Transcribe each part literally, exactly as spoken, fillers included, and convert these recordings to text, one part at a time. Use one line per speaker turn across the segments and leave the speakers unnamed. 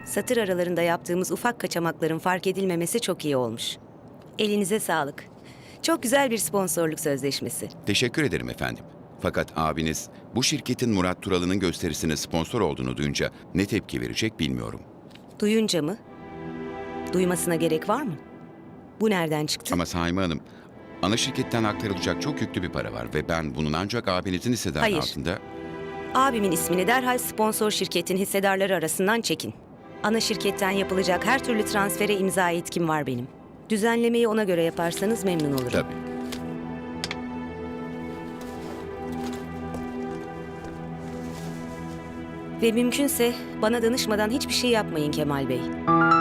Satır aralarında yaptığımız ufak kaçamakların fark edilmemesi çok iyi olmuş. Elinize sağlık. Çok güzel bir sponsorluk sözleşmesi.
Teşekkür ederim efendim. Fakat abiniz bu şirketin Murat Turalı'nın gösterisine sponsor olduğunu duyunca ne tepki verecek bilmiyorum.
Duyunca mı? Duymasına gerek var mı? Bu nereden çıktı?
Ama Saime Hanım, ana şirketten aktarılacak çok yüklü bir para var ve ben bunun ancak abinizin hissedarı
Hayır.
altında...
Abimin ismini derhal sponsor şirketin hissedarları arasından çekin. Ana şirketten yapılacak her türlü transfere imza yetkim var benim. Düzenlemeyi ona göre yaparsanız memnun olurum.
Tabii.
Ve mümkünse bana danışmadan hiçbir şey yapmayın Kemal Bey.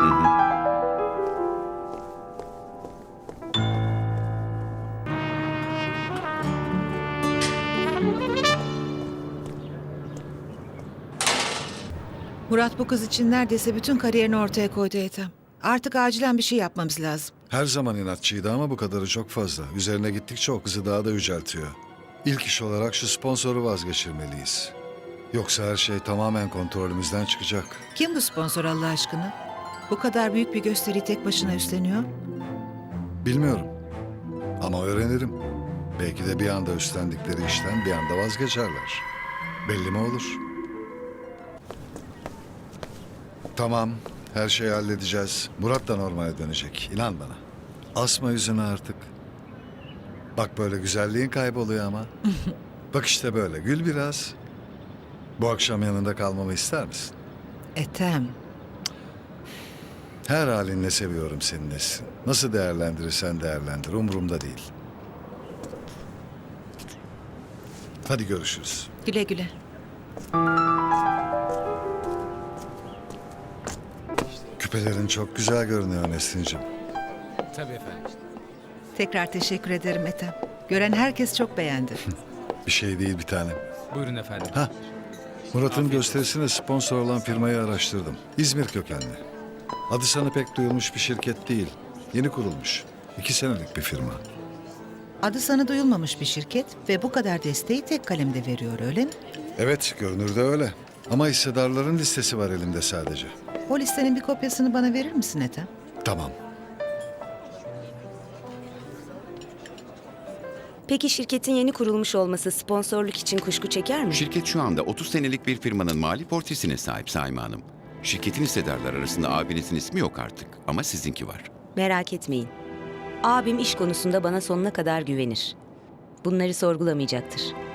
Murat bu kız için neredeyse bütün kariyerini ortaya koydu Ethem. Artık acilen bir şey yapmamız lazım.
Her zaman inatçıydı ama bu kadarı çok fazla. Üzerine gittikçe o kızı daha da yüceltiyor. İlk iş olarak şu sponsoru vazgeçirmeliyiz. Yoksa her şey tamamen kontrolümüzden çıkacak.
Kim bu sponsor Allah aşkına? Bu kadar büyük bir gösteriyi tek başına üstleniyor.
Bilmiyorum. Ama öğrenirim. Belki de bir anda üstlendikleri işten bir anda vazgeçerler. Belli mi olur? Tamam, her şeyi halledeceğiz. Murat da normale dönecek. İnan bana. Asma yüzünü artık. Bak böyle güzelliğin kayboluyor ama. Bak işte böyle, gül biraz. Bu akşam yanında kalmamı ister misin?
Ethem,
Her halinle seviyorum seni Nesrin. Nasıl değerlendirirsen değerlendir, umurumda değil. Hadi görüşürüz.
güle güle.
Küpelerin çok güzel görünüyor Nesrin'cim.
Tabii efendim.
Tekrar teşekkür ederim Ethem. Gören herkes çok beğendi.
Bir şey değil bir tanem.
Buyurun efendim.
Ha, Murat'ın gösterisine sponsor olan firmayı araştırdım. İzmir kökenli. Adı sana pek duyulmuş bir şirket değil. Yeni kurulmuş. İki senelik bir firma.
Adı sana duyulmamış bir şirket ve bu kadar desteği tek kalemde veriyor öyle mi?
Evet, görünürde öyle. Ama hissedarların listesi var elimde sadece.
O listenin bir kopyasını bana verir misin Ethem?
Tamam.
Peki şirketin yeni kurulmuş olması sponsorluk için kuşku çeker mi?
Şirket şu anda otuz senelik bir firmanın mali portresine sahip Saime Hanım. Şirketin hissedarları arasında abinizin ismi yok artık ama sizinki var.
Merak etmeyin. Abim iş konusunda bana sonuna kadar güvenir. Bunları sorgulamayacaktır.